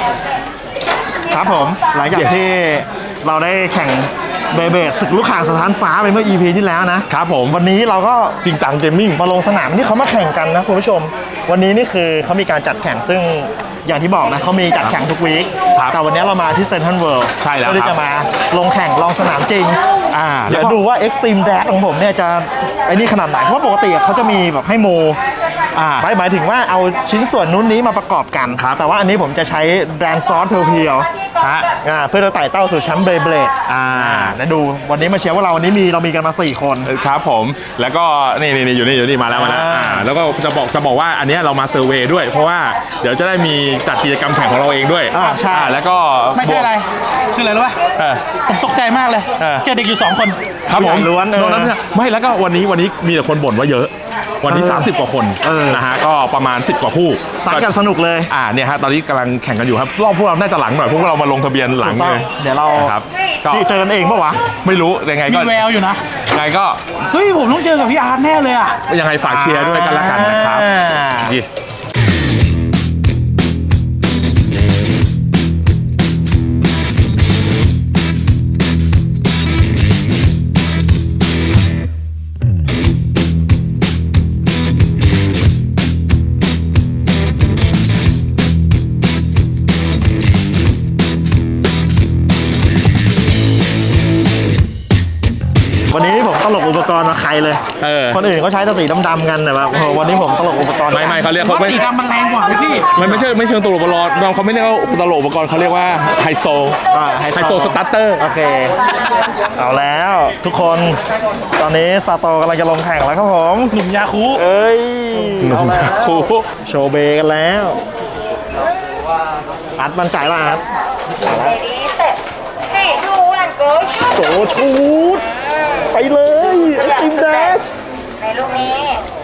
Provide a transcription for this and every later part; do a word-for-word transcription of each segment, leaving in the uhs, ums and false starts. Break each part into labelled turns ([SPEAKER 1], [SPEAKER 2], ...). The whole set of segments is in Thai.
[SPEAKER 1] ครับผมหลังจากที่เราได้แข่งเบเบดศึกลูกข่างสถานฟ้าไปเมื่อ อี พี ที่แล้วนะครับผมวันนี้เราก็จริงจังเกมมิ่งมาลงสนามที่เขามาแข่งกันนะคุณผู้ชมวันนี้นี่คือเขามีการจัดแข่งซึ่งอย่างที่บอกนะเขามีจัดแข่งทุกวีคแต่วันนี้เรามาที่เซ็นทรัลเวิลด์
[SPEAKER 2] ใช่แล้ว
[SPEAKER 1] ที่จะมาลงแข่งลองสนามจริง
[SPEAKER 2] อ่า
[SPEAKER 1] เดี๋ยวดูว่า Extreme Dash ของผมเนี่ยจะไอ้นี่ขนาดไหนเพราะปกติเขาจะมีแบบให้โม
[SPEAKER 2] อ่า
[SPEAKER 1] หมายหมายถึงว่าเอาชิ้นส่วนนู้นนี้มาประกอบกันแต่ว่าอันนี้ผมจะใช้แบรนด์ซอสเพียวๆฮะเพื่อจะไต่เต้าสู่แชมป์เบย์เบลด
[SPEAKER 2] อ่า
[SPEAKER 1] แล้วดูวันนี้มาเชียร์ว่าเราวันนี้มีเรามีกันมาสี่คน
[SPEAKER 2] ครับผมแล้วก็นี่นี่อยู่นี่อยู่นี่มาแล้วมาแล้วอ่าแล้วก็จะบอกจะบอกว่าอันนี้เรามาเซอร์เวย์ด้วยเพราะว่าเดี๋ยวจะได้มีจัดกิจกรรมแข่งของเราเองด้วย
[SPEAKER 1] อ่าใช่
[SPEAKER 2] แล้วก็
[SPEAKER 3] ไม่ใช่อะไรคืออะไรรู้ป่ะผมตกใจมากเลยเจอเด็กอยู่สองคน
[SPEAKER 2] ครับผม
[SPEAKER 1] ล้วน
[SPEAKER 2] นนั้นไม่แล้วก็วันนี้วันนี้มีแต่คนบ่นว่าเยอะวันนี้สามสิบกว่าคนนะฮะก็ประมาณสิบกว่าคู่
[SPEAKER 1] สักกันสนุกเลย
[SPEAKER 2] อ่าเนี่ยฮะตอนนี้กำลังแข่งกันอยู่ครับรอบพวกเราน่าจะหลังหน่อยพวกเรามาลงทะเบียนหลังเลย
[SPEAKER 1] เดี๋ยวเรา
[SPEAKER 2] ครับ
[SPEAKER 1] เจอกันเองปะวะ
[SPEAKER 2] ไม่รู้ยังไงก็
[SPEAKER 3] มีแววอยู่นะ
[SPEAKER 2] ยังไงก็
[SPEAKER 3] เฮ้ยผมต้องเจอกับพี่อาร์ตแน่เลยอ่ะ
[SPEAKER 2] ยังไงฝากเชียร์ด้วยกันละกันนะครับ yes
[SPEAKER 1] วันนี้ผมตลกอุปกรณ์มาใครเลยคนอื่นเขาใช้แต่สีดำๆกันแต่แบบวันนี้ผมตลกอุปกรณ์
[SPEAKER 2] ไม่ไม่เขาเรียก
[SPEAKER 3] เขาสีดำมันแรงกว่าพี่
[SPEAKER 2] มันไม่ใช่ไม่เชิงตลกอุปกรณ์เขาไม่เรียกว่าตลกอุปกรณ์เขาเรียกว่าไฮโซไฮโซสตาร์เตอร์
[SPEAKER 1] โอเคเอาแล้วทุกคนตอนนี้ซาโตกำลังจะลงแข่งแล้วครับผม
[SPEAKER 3] หนุ่มยาคู
[SPEAKER 1] เอ้ย
[SPEAKER 2] หนุ่มยาคู
[SPEAKER 1] โชว์เบกันแล้วอัดมันจ่ายป่ะอัดโจชูดไปเลยไอติมแดช
[SPEAKER 4] ในลูกนี้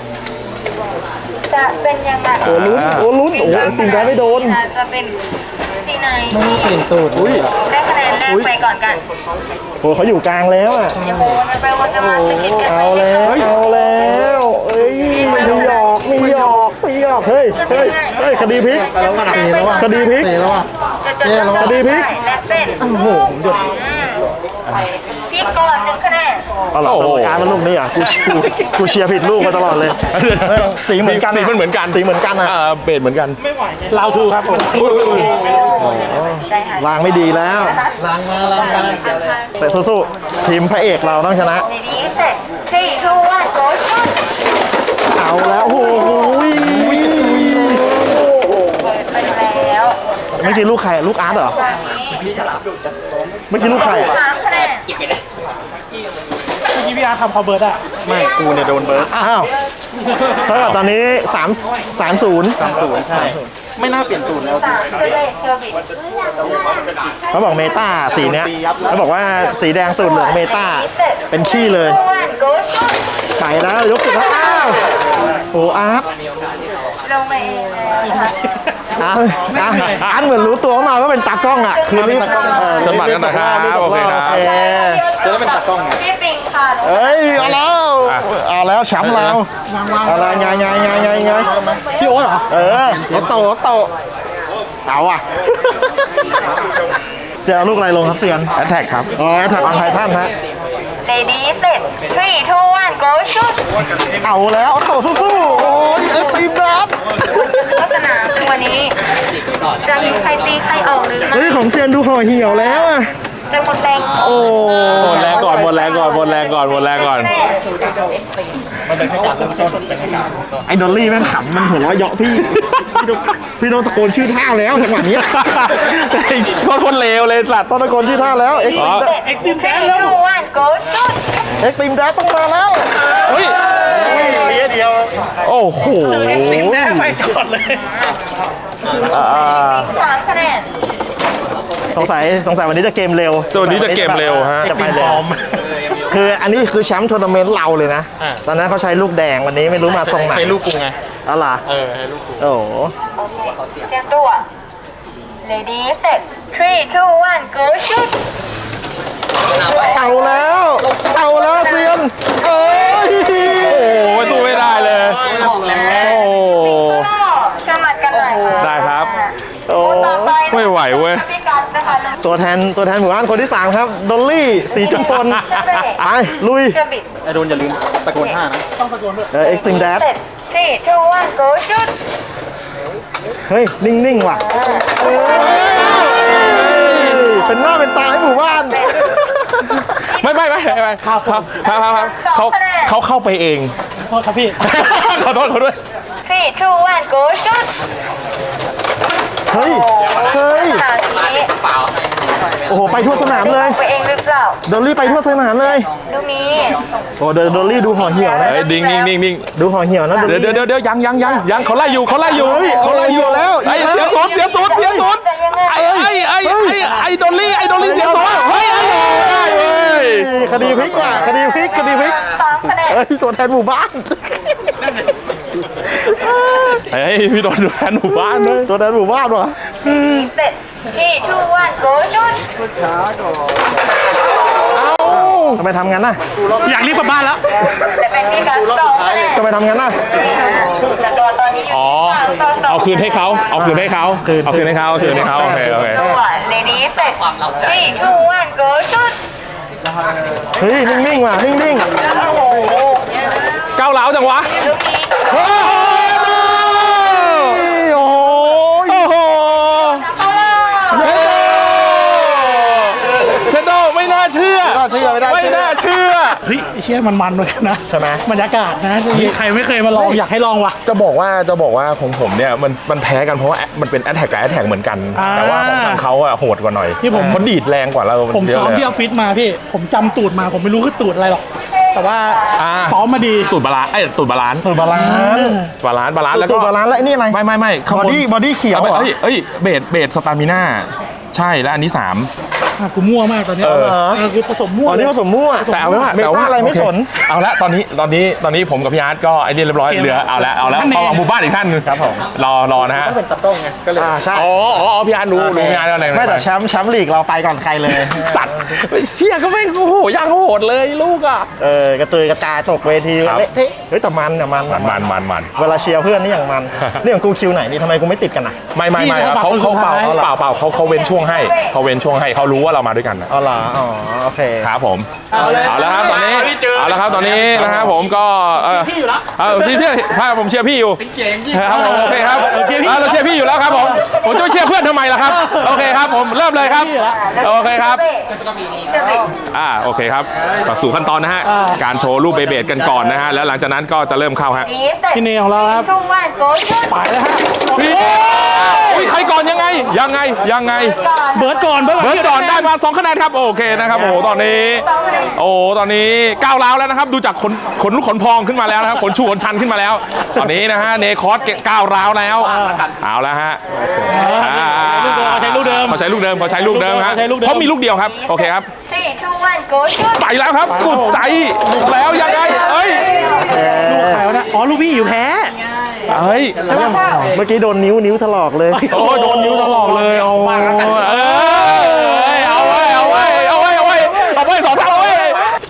[SPEAKER 4] จะเป็นยังไง
[SPEAKER 1] โอ้ลุ้นโอ้ลุ้นโอ้ไอติมแดชไม่โดน
[SPEAKER 4] จะเป็นที่ไหน
[SPEAKER 3] ไม่เปลี่ยนตูด
[SPEAKER 4] ได้คะแนนแรกไปก่อนกัน
[SPEAKER 1] โอ้เขาอยู่กลางแล้วอ่ะ
[SPEAKER 4] ไปวนจะมาสกิดกัน
[SPEAKER 1] เอาแล้วเอาแล้วเอ้ยมีหยอกมีหยอกมีหยอกเฮ้ยเฮ้ยเฮ้ยคดีพลิกคดีพลิกคดีพลิก
[SPEAKER 4] และเป็น
[SPEAKER 1] โอ้โหผมหยด
[SPEAKER 4] พลิกก่อนหนึ่งคะแนน
[SPEAKER 1] เอาหรอการมันลูกนี้อ่ะกูกูเชียร์ผิดลูกมาตลอดเลยสีเหมือนกัน
[SPEAKER 2] สีมันเหมือนกัน
[SPEAKER 1] สีเหมือนกันอ่ะ
[SPEAKER 2] เบสเหมือนกัน
[SPEAKER 3] ลาวทูครับผม
[SPEAKER 1] ล้างไม่ดีแล้ว
[SPEAKER 3] ล้างมาล้างมา
[SPEAKER 1] แต่สู้ๆทีมพระเอกเราต้องชนะ
[SPEAKER 4] ในนี้เสร็จสี่ทูวันโกชุด
[SPEAKER 1] เอาแล้วโอ้โห
[SPEAKER 4] ไปแล้ว
[SPEAKER 1] เมื่อกี้ลูกใครลูกอาร์ตเหรอเมื่อกี้ลูกใคร
[SPEAKER 4] สามคะแนน
[SPEAKER 3] เมื่อกี้พี่อาร์ทำคอเบิร์ดอะ
[SPEAKER 1] ไม่กูเนี่ยโดนเบิร์ดอ้าวเท่ากับตอนนี้สามสามศูนย์สามศูนย์ใช่ไม่น่าเปลี่ยนตูนแล้วเขาบอกเมตาสีเนี้ยเขาบอกว่าสีแดงตูนเหลืองเมตาเป็นขี้เลยไปแล้วยกสุดแล้วอ้าวโอ้อาร์ต
[SPEAKER 4] ลงมาเอง
[SPEAKER 1] อาร์ตอาร์ตเหมือนรู้ตัวมาว่าเป็นตากล้องอ่ะคือรีบ
[SPEAKER 2] สมัครกันนะครับโอเคครับ
[SPEAKER 1] จะได้เป็นตากล้อง
[SPEAKER 4] พี่ปิงค่ะ
[SPEAKER 1] เอ้ยเอาแล้วเอาแล้วแชมป์เราอะไรไงไงไงไงไง
[SPEAKER 3] พี่โอ๊ตเหรอ
[SPEAKER 1] เออรถโตรถโตเอาอ่ะเสียลูกอะไรลงครับเซียน
[SPEAKER 2] แอตแทกครับ
[SPEAKER 1] อ๋อแอตแทกของไททันฮะ
[SPEAKER 4] เลดี้เสร็จทรีทูวันโกชุด
[SPEAKER 1] เอาแล้วโตสู้ๆโอ้ยเอฟตีบัฟ
[SPEAKER 4] ลักษณะวันนี้จะมีใครตีใครออกหรือไม่
[SPEAKER 1] เฮ้ยของเซียนดูห่อเหี่ยวแล้วอ่ะ
[SPEAKER 4] จะหมดแรง
[SPEAKER 1] โอ้
[SPEAKER 2] หมดแรงก่อนหมดแรงก่อนหมดแรงก่อนหมดแรงก่อน
[SPEAKER 1] ไอ้ดอลลี่แม่งขำมันหัวเราะเยาะพี่พี่โดนตะโกนชื่อท่าแล้วจังหวะนี้
[SPEAKER 2] โคตรคนเลวเลยสัตว์
[SPEAKER 1] ต้องตะโกนชื่อท่าแล้วเอ็กซ์
[SPEAKER 4] ตีมแดนแล้ววันโกชุด
[SPEAKER 1] เอ็กซ์ตีมแดนต้องมาแล้ว
[SPEAKER 2] เฮ้ยเดียวโอ้โห
[SPEAKER 3] ตีมแดนไปก่อนเลย
[SPEAKER 4] สามคะแนน
[SPEAKER 1] สงสัยสงสัยวันนี้จะเกมเร็ว
[SPEAKER 2] ตัวนี้จะเกมเร็วฮะ
[SPEAKER 1] จะไปเร็วคืออันนี้คือแชมป์ทัวร์นาเมนต์เราเลยนะตอนนั้นเขาใช้ลูกแดงวันนี้ไม่รู้มาทรงไหน
[SPEAKER 3] ใช้ลูกกูไง
[SPEAKER 1] อ๋อเหรอ
[SPEAKER 3] เออใช้ลูกกู
[SPEAKER 1] โอ้โห
[SPEAKER 4] เตรียมตัว Lady Set three two one go shoot
[SPEAKER 1] เอาแล้วเอาแล้วเซียนเอ้ย
[SPEAKER 2] โอ้โหสู้ไม่ได้เลยโอ้
[SPEAKER 4] ชมัดกันหน่อย
[SPEAKER 2] ได้ครับ
[SPEAKER 1] โอ้
[SPEAKER 2] ไม่ไม่ไหวเว้ย
[SPEAKER 4] พี่กันนะคะ
[SPEAKER 1] ตัวแทนตัวแทนหมู่บ้านคนที่สามครับดอลลี่สีจุมพลไปลุย
[SPEAKER 4] เชอร์บิด
[SPEAKER 3] ไอโดนอย่าลืมตะโกนห้านะต้องตะโกนด้วย
[SPEAKER 1] เออเอ็กซ์ตรีมแดด
[SPEAKER 4] เสร็จ three two one go shoot
[SPEAKER 1] เฮ้ย นิ่ง ๆ ว่ะเฮ้ยเป็นหน้าเป็นตาให้หมู่บ้าน
[SPEAKER 2] ไม่ไม่ไม่ไม่ครับครับครับครับเขาเขาเข้าไปเอง
[SPEAKER 3] โทษครับพี่
[SPEAKER 2] ขอโทษเขาด้วย
[SPEAKER 4] three two one go shoot
[SPEAKER 1] เฮ้ย เฮ้ย
[SPEAKER 4] ขนาดนี้
[SPEAKER 1] โอ้โห ไปทั่วสนามเลย
[SPEAKER 4] ไปเองหรือเปล่า
[SPEAKER 1] ดอลลี่ไปทั่วสนามเลย
[SPEAKER 4] ลูกนี้
[SPEAKER 1] โอ้เดดอลลี่ดูห่อเหี่ยวนะ
[SPEAKER 2] เฮ้ยดิ้งดิ้งดิ้งดิ้ง
[SPEAKER 1] ดูห่อเหี่ยวนะดอล
[SPEAKER 2] เดี๋ยว
[SPEAKER 1] ลี่
[SPEAKER 2] เดี๋ยวเดี๋ยวยังยังยังยังเขาไล่อยู่เขาไล่อยู่
[SPEAKER 1] เฮ้ย
[SPEAKER 2] เขาไล่อยู่
[SPEAKER 1] เขาไล่อยู่แล้ว
[SPEAKER 2] ไอ้เสียศูนย์เสียศูนย์เสียศูนย์
[SPEAKER 4] แต่ยังไง
[SPEAKER 2] ไอ้ไอ้ไอ้ไอ้ไอ้ดอลลี่ไอ้ดอลลี่เสียศูนย์เฮ้ยไอ้ได้เว้ย
[SPEAKER 1] คดีพลิกว่ะคดีพลิกคดีพลิก
[SPEAKER 4] สามคะแนน
[SPEAKER 1] เฮ้ย ตัวแทนหมู่บ้าน
[SPEAKER 2] เฮ้ยพี่โดนดูแทนหมู่บ้านเลย
[SPEAKER 1] ตัวแทนหมู่บ้านว่ะ
[SPEAKER 4] เสร็จ three two one go shoot
[SPEAKER 1] ทำไมทำงั้นน่ะ
[SPEAKER 3] อยากรีบกลับบ้านแล้ว
[SPEAKER 4] แต่เป็นพี่กันสองคะแนน
[SPEAKER 1] ทำไมทำงั้นน่ะ
[SPEAKER 4] แต่ตัวตอนนี้อยู่
[SPEAKER 2] อ๋อ
[SPEAKER 4] ที่สามต่อสอง
[SPEAKER 2] เอาคืนให้เขาเอาคืนให้เขาเอาคืนให้เขาเอาคืนให้เขาโอเคโอเค
[SPEAKER 4] ตัว lady เสร็จ three two one go shoot
[SPEAKER 1] เฮ้ย นิ่ง ๆ ว่ะ นิ่ง
[SPEAKER 4] โอ้โห
[SPEAKER 2] ก้าวร้าวจังวะ
[SPEAKER 4] ลูกนี้
[SPEAKER 2] โอ้โห
[SPEAKER 1] ๆ โอ้โห
[SPEAKER 2] โอ้โหเชโดไม่น่าเชื่อ
[SPEAKER 1] ไม่น่าเชื่อไม่น่าเชื่อ
[SPEAKER 2] ไม่น่าเชื่อ
[SPEAKER 3] เฮ้ยเชี่ยมันมันๆเหมือนกันนะ
[SPEAKER 1] ใช่ไหม
[SPEAKER 3] บรรยากาศนะใครไม่เคยมาลองอยากให้ลองว่ะ
[SPEAKER 2] จะบอกว่าจะบอกว่าของผมเนี่ยมันมันแพ้กันเพราะว่ามันเป็นแอตแทกกับแอตแทกเหมือนกัน
[SPEAKER 3] อ่า
[SPEAKER 2] แต่ว่าของทางเขาอะโหดกว่าหน่อย
[SPEAKER 3] ที่ผม
[SPEAKER 2] เขาดีดแรงกว่าเรา
[SPEAKER 3] ผม
[SPEAKER 2] เย
[SPEAKER 3] ซ้
[SPEAKER 2] อะ
[SPEAKER 3] อม
[SPEAKER 2] เลย
[SPEAKER 3] ที่ออฟฟิศมาพี่ ผมจำตูดมาผมไม่รู้คือตูดอะไรหรอก แต่ว่า
[SPEAKER 2] อ่า
[SPEAKER 3] ซ้อมมาดี
[SPEAKER 2] ตูดบาลานซ์ไอ้ยตูดบาลานซ์
[SPEAKER 1] ตัวบาลานซ์
[SPEAKER 2] บาลานซ์บาลานซ์แล้วก็
[SPEAKER 1] ตัวบาลานซ์แล้วไอ้นี่อะไร
[SPEAKER 2] ไม่ไม่ไม่ข้าง
[SPEAKER 1] บอดี้บอดี้เขียว
[SPEAKER 2] เอาไป
[SPEAKER 1] เหรอ
[SPEAKER 2] เอ้ยเอ้ยเบสเบสสตามิน่าใช่แล้วอันนี้สาม
[SPEAKER 3] อ่ะกูมั่วมากตอนเนี้ย
[SPEAKER 2] เออ
[SPEAKER 3] เออกูผสมมั่ว
[SPEAKER 1] อ๋อนี่ผสมมั่ว
[SPEAKER 2] แต่เอาไว้ว่า
[SPEAKER 1] เม
[SPEAKER 2] แต่
[SPEAKER 1] ตา
[SPEAKER 2] ว่า
[SPEAKER 1] อะไรไม่สน
[SPEAKER 2] โอเคเอาละตอนนี้ตอนนี้ตอนนี้ผมกับพี่อาร์ตก็ไอ้นี่เรียบร้อยเหลือเอาละเอาแล้วเข้าหมู่บ้านอีกท่านหนึง
[SPEAKER 1] ครับผม
[SPEAKER 2] รอรอนะฮะ
[SPEAKER 1] อ่าใช่
[SPEAKER 2] อ๋ออ๋อพี่อาร์ตรู้รู้พี่อาร์ตอะไร
[SPEAKER 1] ไม่แต่แชมป์แชมป์ลีกเราไปก่อนใครเลย
[SPEAKER 2] สัตว์เชี่ยก็ไม่โอ้โหย่างโหดเลยลูกอ่ะ
[SPEAKER 1] เออกระเตยกระจายตกเวที
[SPEAKER 2] ครับ
[SPEAKER 1] เละเทะเฮ้ยแต่มันเนี่ยมัน
[SPEAKER 2] มันมันมันมัน
[SPEAKER 1] เวลาเชียร์เพื่อนนี่อย่างมัน นี่ของกูคิวไหนนี่ทำไมกูไม่ติดกันอ่ะ
[SPEAKER 2] ไม่ไม่ไม่ครับเขาเขาเปล่าเปล่าเปล่าเขาเขาเว้นช่วงให้เขาเว้นช่วงให้เขารู้ว่าเรามาด้วยกันนะ
[SPEAKER 1] อ๋อเหรออ๋อโอเค
[SPEAKER 2] ครับผมเอาแล้วครับตอนนี้เอาแล้วครับตอนนี้นะครับผมก็เออ
[SPEAKER 3] พี่อยู่แล้ว
[SPEAKER 2] เออเชียร์ถ้าผมเชียร์พี่อยู่ครับผมโอเคครับ
[SPEAKER 3] เออเชียร์พี่
[SPEAKER 2] อ่าเราเชียร์พี่อยู่แล้วครับผมผมจะไปเชียร์เพื่อนทำไมล่ะครับโอเคครับผมเริ่มเลยครับโอเคครับ
[SPEAKER 4] เชอร์บิด
[SPEAKER 2] อ่าโอเคครับเข้าสู่ขั้นตอนนะฮะการโชว์รูปเบเบดกันก่อนนะฮะแล้วหลังจากนั้นก็จะเริ่มเข้าฮะ
[SPEAKER 4] นี้เสร็จ
[SPEAKER 3] พี่เนยของเราครับ
[SPEAKER 4] three two one go shoot
[SPEAKER 3] ไปแล้วฮะ
[SPEAKER 2] พี่อุ้ยใครก่อนยังไงยังไงยังไง
[SPEAKER 4] ก่อน
[SPEAKER 3] เบิร์ดก่อนเบิร์ด
[SPEAKER 2] เบิร์ดก่อนได้มาสองคะแนนครับโอเคนะครับโอ้โหตอนนี้
[SPEAKER 4] สองคะแนน
[SPEAKER 2] โอ้ตอนนี้ก้าวร้าวแล้วนะครับดูจากขนขนลุกขนพองขึ้นมาแล้วนะครับขนชูขนชันขึ้นมาแล้ว ตอนนี้นะฮะเนคอสก้าวร้าวแล้วเอาแล้วฮะอ่า
[SPEAKER 3] ใช้ลูกเดิม
[SPEAKER 2] เขาใช้ลูกเดิมเขาใช้ลูกเดิมฮะ
[SPEAKER 3] ใช้ลูกเดิม
[SPEAKER 2] เขามีลูกเดียวครับโอเคครับ
[SPEAKER 4] three two one go shoot
[SPEAKER 2] ไปแล้วครับสุดใจบุกแล้วยังไงเอ้ย
[SPEAKER 3] ลูกใครวะเนี่ยอ๋อลูกพี่อยู่แพ้
[SPEAKER 2] เอ้ย
[SPEAKER 1] เมื่อกี้โดนนิ้วนิ้วถลอกเลย
[SPEAKER 2] โอ้โดนนิ้วตลอดเลยเอาเออเอาไว้เอาไว้เอาไว้เอาไว้เอาไว้สองเท่าเอาไว้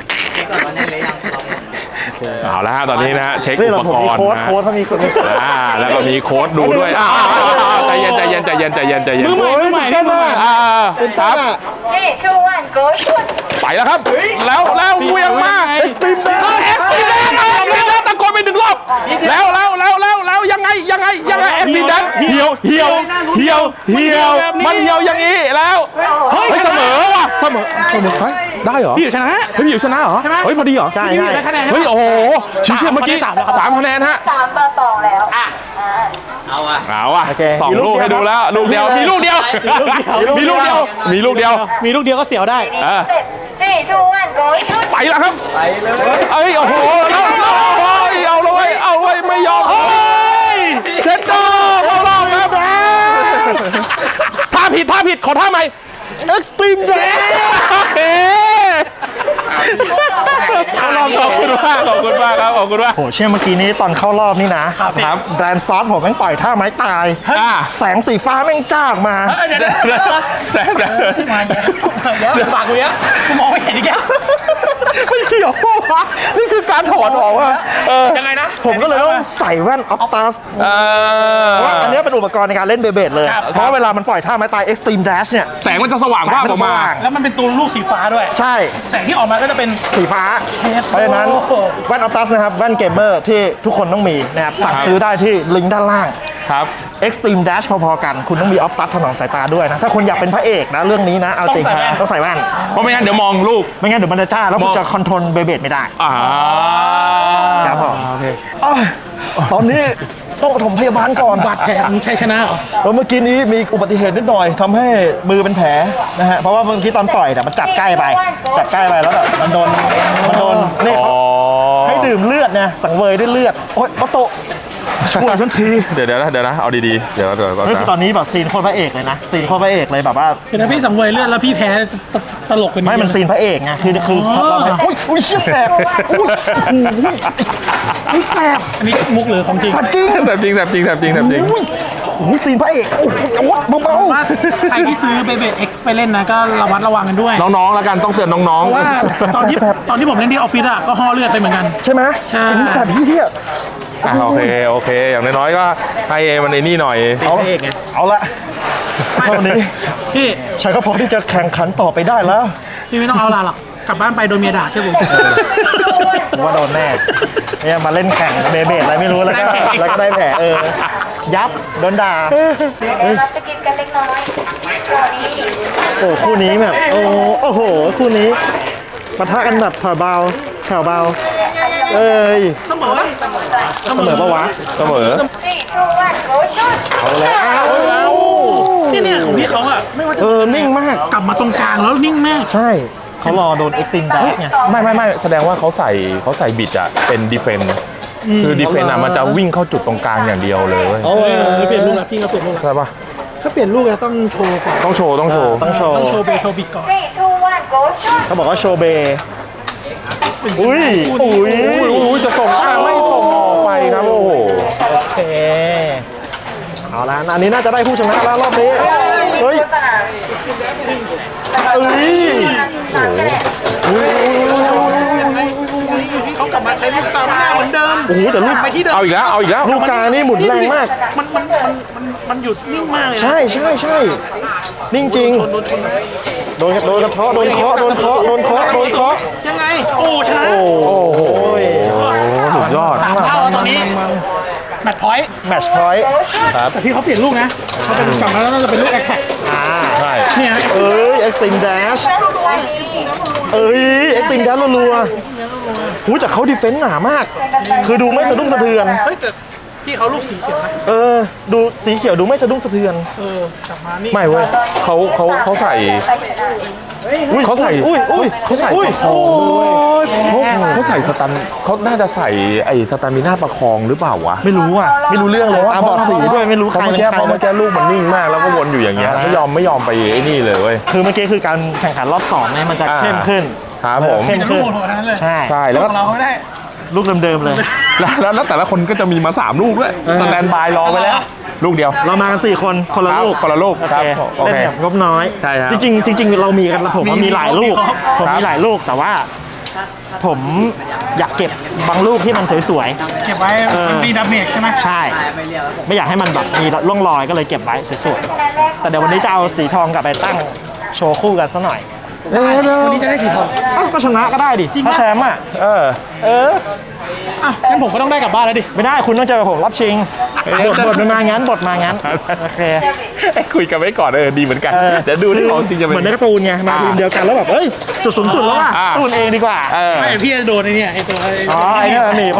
[SPEAKER 2] เอาแล้วฮะตอนนี้นะฮะเช็ค
[SPEAKER 1] นี่
[SPEAKER 2] อุ
[SPEAKER 1] เรา
[SPEAKER 2] ป
[SPEAKER 1] ผม
[SPEAKER 2] ก
[SPEAKER 1] มี
[SPEAKER 2] รณ์
[SPEAKER 1] โค้ด
[SPEAKER 2] นะ
[SPEAKER 1] โค้ดเขามีคนมี
[SPEAKER 2] อ่าแล้วก็มีโค้ดดูด้วยอ่าใจเย็นใจเย็นใจเย็นใจเย็นใจเย็น
[SPEAKER 3] มือใหม่มือใหม่มือใหม่
[SPEAKER 2] อ่าครับ
[SPEAKER 4] three two one go shoot
[SPEAKER 2] ไปแล้วครับ แล้วแล้วเวียงมา
[SPEAKER 1] เอ็กซ์ตรีมแดน
[SPEAKER 2] เอ็กซ์ตีแดนเอ็กซ์ตีแดนตะโกนไปหนึ่งรอบแล้วแล้วแล้วแล้วแล้วยังไงยังไงยังไงเอ็กซ์ตีแดนเหี่ยวเหี่ยวเหี่ยวเหี่ยวมันเหี่ยวอย่างนี้แล้วเฮ้ยเสมอว่ะเสมอเสมอเฮ้ยได้เหรอ
[SPEAKER 3] พี่อยู่ชนะ
[SPEAKER 2] เฮ้ยพี่อยู่ชนะเหรอ
[SPEAKER 3] ใช่ไหม
[SPEAKER 2] เฮ้ยพอดีเหรอ
[SPEAKER 1] ใช่
[SPEAKER 3] พี่อยู่
[SPEAKER 1] ใช่
[SPEAKER 3] ได้คะแนน
[SPEAKER 2] เฮ้ยโอ้โหชิวเชียร์เมื่อกี้
[SPEAKER 3] สามแล้วครับ
[SPEAKER 2] สามคะแนนฮะ
[SPEAKER 4] สามต่อสองแล้วอ่ะ
[SPEAKER 2] เอาอ่ะ
[SPEAKER 1] โอเค
[SPEAKER 2] สอง
[SPEAKER 1] มีลู
[SPEAKER 2] ลู
[SPEAKER 1] ก
[SPEAKER 2] กให้
[SPEAKER 1] เดี
[SPEAKER 2] ดู
[SPEAKER 1] ยว
[SPEAKER 2] แล้วลูกเดียวมีลูกเดียวมีลูกเดียวมีลูกเดียว
[SPEAKER 3] มีลูกเดียวก็เสียวได้
[SPEAKER 2] เออ
[SPEAKER 4] เสร็จ three two one go shoot
[SPEAKER 2] ไปแล้วครับไปเลยเอ้ยโอ้โหแล้วแล้วโอ้ยเอาเลยเอาเลยไม่ยอมเฮ้ยเซ็นเตอร์เข้ารอบครับท่าผิดท่าผิดขอท่าใหม่
[SPEAKER 1] เอ็กซ์ตรีมแดน
[SPEAKER 2] โอเคขอบคุณมากขอบคุณมากครับขอบคุณมาก
[SPEAKER 1] โหเชื่อเมื่อกี้นี้ตอนเข้ารอบนี่นะ
[SPEAKER 2] ครับ
[SPEAKER 1] แบรนด์ซอสผมแม่งปล่อยท่าไม้ตาย
[SPEAKER 2] อ่า
[SPEAKER 1] แสงสีฟ้าแม่งจ้าออกมา
[SPEAKER 3] เดี๋ยวเดี๋ยวเดี๋ยว
[SPEAKER 2] แต่แต่
[SPEAKER 3] มาเยอะเดี๋ยวฝากกูเยอะกูมองไม่เห็นอีกแล้ว
[SPEAKER 1] ไม่เกี่ยววะนี่คือการถอดออกว่า
[SPEAKER 2] เออ
[SPEAKER 3] ยังไงนะ
[SPEAKER 1] ผมก็เลยต้องใส่แว่นออฟตัส
[SPEAKER 2] เออ
[SPEAKER 1] ว่าอันเนี้ยเป็นอุปกรณ์ในการเล่นเบเบดเลย เพราะเวลามันปล่อยท่าไม้ตาย Extreme Dash เนี่ย
[SPEAKER 2] แสงมันจะสว่างวาบออกมา
[SPEAKER 3] แล้วมันเป็นตัวลูกสีฟ้าด้วย
[SPEAKER 1] ใช่
[SPEAKER 3] แสงที่ออกมาก็จะเป็น
[SPEAKER 1] สีฟ้า เพราะฉะนั้นแว่นออฟตัสนะครับแว่นเกมเมอร์ที่ทุกคนต้องมีนะครับสั่งซื้อได้ที่ลิงก์ด้านล่าง
[SPEAKER 2] ครับ
[SPEAKER 1] Extreme Dash พอๆกัน คุณต้องมีออฟตัสถนอมสายตาด้วยนะ ถ้าคุณอยากเป็นพระเอกนะ เรื่องนี้นะ เอาจริงนะต้องใส่แว่น
[SPEAKER 2] เพราะไม่งั้นเดี๋ยวมองลูก
[SPEAKER 1] ไม่งั้นเดี๋ยวมันจะจ้า แล้วคุณจะคอนโทรลเบเบดไม่ได้
[SPEAKER 2] อ่า
[SPEAKER 1] ครับผม
[SPEAKER 2] โอเค
[SPEAKER 1] อ้าวตอนนี้ต้องปฐมพยาบาลก่อน
[SPEAKER 3] บาดแผลมันชัยชนะเหรอ
[SPEAKER 1] แล้วเมื่อกี้นี้มีอุบัติเหตุนิดหน่อยทำให้มือเป็นแผลนะฮะ เพราะว่าเมื่อกี้ตอนต่อยแต่ยมันจับใกล้ไป จับใกล้ไปแล้วแบบมันโดน มันโดนนี่
[SPEAKER 2] อ๋
[SPEAKER 1] เขา
[SPEAKER 2] อ
[SPEAKER 1] ให้ดื่มเลือดนะสังเวยด้วยเลือด โอ๊ยปะโตะช่วยฉันที
[SPEAKER 2] เดี๋ยวเดี๋ยวนะเดี๋ยวนะ เอาดีๆ เดี๋ยวเดี๋ยวก่อน
[SPEAKER 1] เฮ้ยคือ
[SPEAKER 2] นะ
[SPEAKER 1] ตอนนี้แบบซีนโคตรพระเอกเลยนะ ซีนโคตรพระเอกเลยแบบว่า
[SPEAKER 3] เป็นนะพี่สังเวยเลือดแล้วพี่แพ้ตตลกกัน
[SPEAKER 1] ไม่มันซีนพระเอกไง คือคือเราไม่อุ้ยอุ้ยเชี่ยแสบอุ้ยอุ้ยอุ้ยแสบ
[SPEAKER 3] อันนี้มุกหรือของจริง
[SPEAKER 1] สัตว์จริง
[SPEAKER 2] แต่จริงแต่จริงแต่จริงแต่จริง
[SPEAKER 1] อุ้ยอุ้ยซีนพระเอกโอ้โหโอ๊ยเบา
[SPEAKER 3] ว่าใครที่ซื้อเบเบเอ็กซ์ไปเล่นนะก็ระวัดระวังกันด้วย
[SPEAKER 2] น้องๆ แล้วกันต้องเตือนน้อง
[SPEAKER 3] เพราะว่าตอนที่ตอนที่ผมเล่นที่ออฟฟิศอ่ะก็ห่อเลือดไปเหมือนกัน
[SPEAKER 1] ๆใช่ไหม
[SPEAKER 3] ใช่
[SPEAKER 1] อุ้ยแสบพี่เที่ย
[SPEAKER 2] ๆอ่ะโอเคโอเค อย่างน้อยๆ ก็ให้มันไอ้นี่หน่อย
[SPEAKER 1] เอาเอาละเท่านี้
[SPEAKER 3] พี่
[SPEAKER 1] ฉันก็พอที่จะแข่งขันต่อไปได้แล้ว
[SPEAKER 3] พี่ไม่ต้องเอาลาหรอกกลับบ้านไปโดนเมียด่าใช่ผม
[SPEAKER 1] ผมว่าโดนแน่เนี่ยมาเล่นแข่งเบเบดอะไรไม่รู้แล้วก็แล้วก็ได้แผลเออยับโดนด่า
[SPEAKER 4] เดี๋ยวเราจะกินกันเล็กน้อยตัวนี้
[SPEAKER 1] โอ้คู่นี้แบบโอ้โอ้โหคู่นี้ปะทะกันแบบแผ่วเบาแผ่วเบาเอ้ย
[SPEAKER 3] เสมอ
[SPEAKER 1] เสมอปะวะ
[SPEAKER 2] เสมอ
[SPEAKER 4] three two one go shoot
[SPEAKER 1] เอาแล้ว
[SPEAKER 3] เนี่ยเนี่ยของพี่เขาอ่ะไม่ว่าจะ
[SPEAKER 1] เออนิ่งมาก
[SPEAKER 3] กลับมาตรงกลางแล้วนิ่งมาก
[SPEAKER 1] ใช่เขารอโดนเอ็กซ์ติมดักไง
[SPEAKER 2] ไม่ไม่ไม่แสดงว่าเขาใส่เขาใส่บิดอะเป็นดีเฟนต์คือดีเฟนต์อะมันจะวิ่งเข้าจุดตรงกลางอย่างเดียวเลยเว้ย
[SPEAKER 1] เอ
[SPEAKER 3] เอ
[SPEAKER 1] อ
[SPEAKER 3] อเปลี่ยนลูกแล้วพี่เขาเปลี่ยนลูกแล้ว
[SPEAKER 2] ใช่ปะ
[SPEAKER 3] ถ้าเปลี่ยนลูกแล้วต้องโชว์ก่อน
[SPEAKER 2] ต้องโชว์ต้องโชว์
[SPEAKER 1] ต้องโชว์
[SPEAKER 3] ต้องโชว์เบโชว์บิดก่อน
[SPEAKER 4] three two one go shoot
[SPEAKER 1] เขาบอกว่าโชว์เบย์อุ้ยอุ้ย
[SPEAKER 2] อุ้ยอุ้ยจะส่งอ่ะไม่ส่งออกไปครับโอ้โห
[SPEAKER 1] โอเคเอาละอันนี้น่าจะได้ผู้ชนะแล้วรอบนี้เฮ้ย
[SPEAKER 4] สนาม
[SPEAKER 1] เอ้ย
[SPEAKER 4] สามคะแนน
[SPEAKER 3] พี่เขากลับมาใช้ลูกสตาร์หน้าเหมือนเดิม
[SPEAKER 1] โอ้โหแต่ลูก
[SPEAKER 3] ไปที่เดิม
[SPEAKER 2] เอาอีกแล้วเอาอีกแล้ว
[SPEAKER 1] ลูกกานี่หมุนแรงมาก
[SPEAKER 3] มันมันมันมันมันหยุดนิ่งมากเลยนะ
[SPEAKER 1] ใช่ใช่ใช่นิ่งจริง
[SPEAKER 3] โดนชนไหม
[SPEAKER 1] โดนโดนกระเทาะโดนเคาะโดนเคาะโดนเคาะโดนเคาะ
[SPEAKER 3] ยังไง โอ้ชนะ
[SPEAKER 1] โอ้โห
[SPEAKER 2] สุดยอด
[SPEAKER 3] สามเท่าแล้วตอนนี้แมตช์พอยต์
[SPEAKER 1] แมตช์พอยต์
[SPEAKER 3] แต่พี่เขาเปลี่ยนลูกนะเขาเป็นกลับมาแล้วน่าจะเป็นลูกแอคแท็ก
[SPEAKER 1] อ่า
[SPEAKER 2] ใช่
[SPEAKER 3] เนี่ย
[SPEAKER 1] เอ้ย Extreme Dash
[SPEAKER 4] ตัวนี้
[SPEAKER 1] เอ้ย Extreme Dash รัวๆหูแต่เขาดีเฟนส์หนามาก คือดูไม่สะดุ้งสะเทือน
[SPEAKER 3] เฮ้ยแต่พี่เขาลูกสีเขียวนะ
[SPEAKER 1] เออ ดูสีเขียวดูไม่สะดุ้งสะเทือน
[SPEAKER 3] เออกลับมานี่
[SPEAKER 2] ไม่เว้ยเขาเขาเขาใส่
[SPEAKER 1] อุ้ย
[SPEAKER 2] เขาใส่
[SPEAKER 1] อุ้ยอุ้ย
[SPEAKER 2] เขาใส่
[SPEAKER 1] อุ้ย
[SPEAKER 2] ประคองด้วยเว้ยเขาเขาใส่สตันเขาน่าจะใส่ไอ้สตามิน่าประคองหรือเปล่าวะ
[SPEAKER 1] ไม่รู้อ่ะ ไม่รู้เรื่องเลยตาบอดสีด้วยไม่รู้ใคร
[SPEAKER 2] เพราะเมื่อ
[SPEAKER 1] เป็น
[SPEAKER 2] กี้
[SPEAKER 1] ใคร
[SPEAKER 2] เพราะเมื่อกี้ลูกมันนิ่งมากแล้วก็วนอยู่อย่างเงี้ยไม่ยอมไม่ยอมไปไอ้นี่เลยเว้ย
[SPEAKER 1] คือเมื่อกี้คือการแข่งขันรอบสองเนี่ยมันจะ
[SPEAKER 2] อ่า
[SPEAKER 1] เข้มขึ้น
[SPEAKER 2] ครับผม
[SPEAKER 1] เข้ม
[SPEAKER 3] แต่ลู
[SPEAKER 1] ขึ้
[SPEAKER 3] ก
[SPEAKER 1] น
[SPEAKER 3] โหดๆทั้งนั้นเลย
[SPEAKER 1] ใช่
[SPEAKER 2] ใช่แล้วก็
[SPEAKER 3] ของเราไม่ได้
[SPEAKER 1] ลูกเดิมๆเลย
[SPEAKER 2] แล้วแล้วแล้วแต่ละคนก็จะมีมาสามลูกด้วยสแตนบายรอไว้แล้ว ลูกเดียว
[SPEAKER 1] เรามากันสี่คนคนละ
[SPEAKER 2] ครับ
[SPEAKER 1] ลูก
[SPEAKER 2] คนละลูก
[SPEAKER 1] โอ
[SPEAKER 2] ครั
[SPEAKER 1] เค
[SPEAKER 2] บโอ
[SPEAKER 1] เล่น
[SPEAKER 2] เค
[SPEAKER 1] แบบงบน้อย
[SPEAKER 2] ใช่ครับ
[SPEAKER 1] จริงๆจริง ๆ เรามีกันผมว่า
[SPEAKER 3] มี
[SPEAKER 1] มีหลายลูก
[SPEAKER 3] มีครบ
[SPEAKER 1] ผมมีหลายลูกแต่ว่า ผมอยากเก็บบางลูกที่มันสวย
[SPEAKER 3] เก็บไว้
[SPEAKER 1] เออ
[SPEAKER 3] มันมีดาเมจใช่ไหม
[SPEAKER 1] ๆ ใช่ ไม่อยากให้มันแบบมีร่องรอยก็เลยเก็บไว้สวยๆแต่เดี๋ยววันนี้จะเอาสีทองกลับไปตั้งโชว์คู่กันซะหน่อย
[SPEAKER 3] วันนี้จะได้สีทอง
[SPEAKER 1] เอ้าก็ชนะก็ได้ดิถ้าแชมป์อ่ะ
[SPEAKER 2] เออ
[SPEAKER 1] เออ
[SPEAKER 3] อ่ะงั้นผมก็ต้องได้กลับบ้านแล้วดิ
[SPEAKER 1] ไม่ได้คุณต้องเจอกับผมรับชิงบทบทมันมางั้นบทมางั้นโอเค
[SPEAKER 2] ไอ้คุยกันไว้ก่อนเออดีเหมือนกัน
[SPEAKER 1] ออ
[SPEAKER 2] เดี๋ยวดูที่ของจริงจะเป็น
[SPEAKER 1] เหมือนในการ์ตูนไงมาทีมเดียวกันแล้วแบบเอ้ยจุดสูงสุดแล้วว่ะ
[SPEAKER 2] อ่า
[SPEAKER 1] สู้กันเองดีกว่า
[SPEAKER 2] เออ
[SPEAKER 3] ไม่พี่จะโดนไอ้เนี่ยไอ้ตัวไอ้
[SPEAKER 1] อ๋อไอ้เนี่ยหนีบ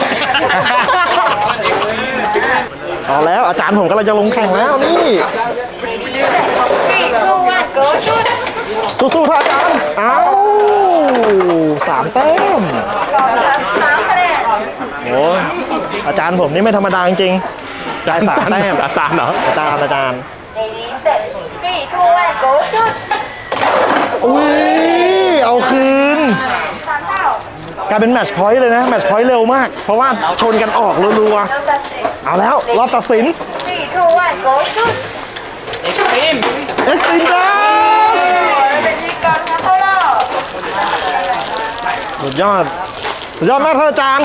[SPEAKER 1] เอาแล้วอาจารย์ผมกำลังจะลงแข่งแล้วนี่
[SPEAKER 4] three two one go shoot
[SPEAKER 1] สู้ๆท่านอาจารย์เอ้าสามแต้ม
[SPEAKER 4] สามคะแนน
[SPEAKER 1] โอ้ยอาจารย์ผมนี่ไม่ธรรมดาจริงๆได้สามแต้ม
[SPEAKER 2] อาจารย์เหรอ
[SPEAKER 1] อาจารย์อาจารย์
[SPEAKER 4] Ladies set three two one go shoot
[SPEAKER 1] อุ้ยเอาคืน
[SPEAKER 4] สามเท่าก
[SPEAKER 1] ลายเป็นแมตช์พอยต์เลยนะแมตช์พอยต์เร็วมาก เพราะว่าชนกันออกรัว
[SPEAKER 4] เราตัดสิน
[SPEAKER 1] ๆเอาแล้วรอบตัดสิน
[SPEAKER 4] three two one go shoot
[SPEAKER 1] เอ็กซ์ตรีมดัช
[SPEAKER 4] เป็นที่การเข้ารอบ
[SPEAKER 1] สุดยอดสุดยอดมากท่านอาจารย์
[SPEAKER 4] ค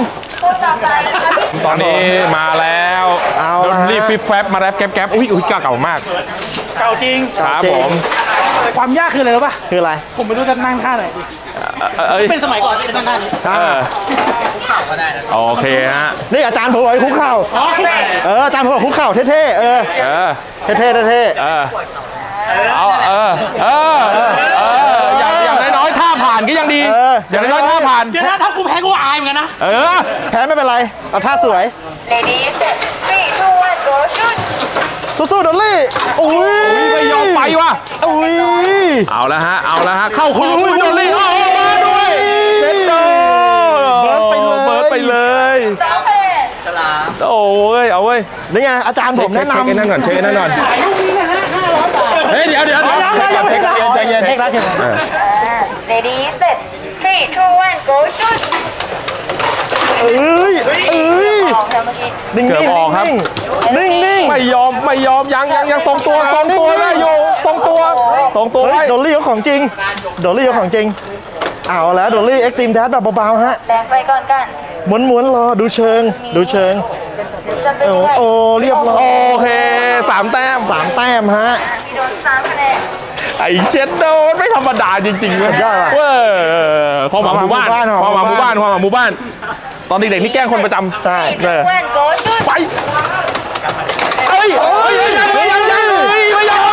[SPEAKER 4] พูดต่อไปนะคะ
[SPEAKER 2] ตอนนี้มาแล้ว
[SPEAKER 1] เอา
[SPEAKER 2] โด
[SPEAKER 1] ละ
[SPEAKER 2] นรีบฟิปแฟบมาแรปแก๊บแก๊บอุ้ยอุ้ยกล้าเก่ามาก
[SPEAKER 3] เก่าจริง
[SPEAKER 2] ครับ
[SPEAKER 1] จริง
[SPEAKER 2] ผม
[SPEAKER 3] ความยากคืออะไรรู้ป่ะ
[SPEAKER 1] คืออะไร
[SPEAKER 3] ผมไม่รู้จะนั่งท่าไหน
[SPEAKER 2] เอ่อเอ้ย
[SPEAKER 3] เป็นสมัยก่อนที่จะนั่งท่านี้
[SPEAKER 2] เออโอเคฮะ
[SPEAKER 1] นี่อาจารย์ผมบอกให้คุกเข่าเอออาจารย์ผมบอกคุกเข่าเท่ๆเออ
[SPEAKER 2] เออ
[SPEAKER 1] เท่ๆเท่
[SPEAKER 2] เออเอาเออเออเอออย่างอย่างน้อยๆท่าผ่านก็ยังดี อย่างน้อยๆท่าผ่าน
[SPEAKER 3] เดี๋ยวนะถ้ากูแพ้กูอายเหมือนกันนะ
[SPEAKER 2] เออ
[SPEAKER 1] ๆแพ้ไม่เป็นไรเอาท่าสวย
[SPEAKER 4] Ladies set three two one go shoot
[SPEAKER 1] สู้ๆดอลลี่อุ้ย
[SPEAKER 2] ไม่ยอมไปว่ะ
[SPEAKER 1] อุ้ย
[SPEAKER 2] เอาละฮะ เอาละฮะ เข้าคออุ้ยโดนลี่เอามาด้วยเซนโด
[SPEAKER 1] เบิร์สไปเลย
[SPEAKER 2] เบิร์สไปเลย
[SPEAKER 4] สองคะแนน
[SPEAKER 2] โอ้ย เอาเว้ย
[SPEAKER 1] นี่ไงอาจารย์ผ
[SPEAKER 2] เช็ค
[SPEAKER 1] ม
[SPEAKER 2] เช็
[SPEAKER 1] แนะ
[SPEAKER 2] คเช็คไอ้
[SPEAKER 1] นำ
[SPEAKER 2] นั่นก่อน เช็คไอ้นั่นก่อน เฮ้ย เดี๋ยวเดี๋ยวเดี๋ยว
[SPEAKER 1] ยังยังยัง
[SPEAKER 2] เช็คก่อน
[SPEAKER 1] ใจเย็น
[SPEAKER 2] เช็คก่อน
[SPEAKER 3] เช็คแล้วเช็คแล้ว
[SPEAKER 4] Ladies set three two one go shoot
[SPEAKER 1] เอ้ยเอ้ย
[SPEAKER 4] ออกแล้วเมื่อกี้
[SPEAKER 1] นิ่งๆ
[SPEAKER 2] เกือบออกครับ
[SPEAKER 1] นิ่งๆนิ่งๆ
[SPEAKER 2] ไม่ยอม ไม่ยอม ยังยังยังทรงตัวทรงตัวได้อยู่ทรงตัวทรงตัว
[SPEAKER 1] เฮ้
[SPEAKER 2] ไว้
[SPEAKER 1] ยดอลลี่เขาของจริงดอลลี่เขาของจริงเอาแล้วดอลลี่เอ็กซ์ตรีมแดดแบบเบาๆฮะ
[SPEAKER 4] แรงไปก่อนกัน
[SPEAKER 1] ม้วนๆรอดูเชิง ดูเชิง
[SPEAKER 4] จะเป็น
[SPEAKER 1] โอ้
[SPEAKER 4] ยังไง
[SPEAKER 1] โอ้เรียบร้อย
[SPEAKER 2] โอเคสามแต้ม
[SPEAKER 1] สามแต้มฮะ
[SPEAKER 4] มีโดนสามคะแนน
[SPEAKER 2] ไอเชดโดนไม่ธรรมดาจริงๆเว้ย
[SPEAKER 1] สุดยอดว่ะ
[SPEAKER 2] เว้ยความหวังหมู่บ้านความหวังหมู่บ้านความหวังหมู่บ้าน ตอนเด็กๆนี่แกล้งคนประจำ
[SPEAKER 1] ใช่
[SPEAKER 2] เออ
[SPEAKER 4] เพื่อนโกชุด
[SPEAKER 2] ไปเอ้ยเอ้ยยังไม่ยังยังเฮ้ยไม่ยัง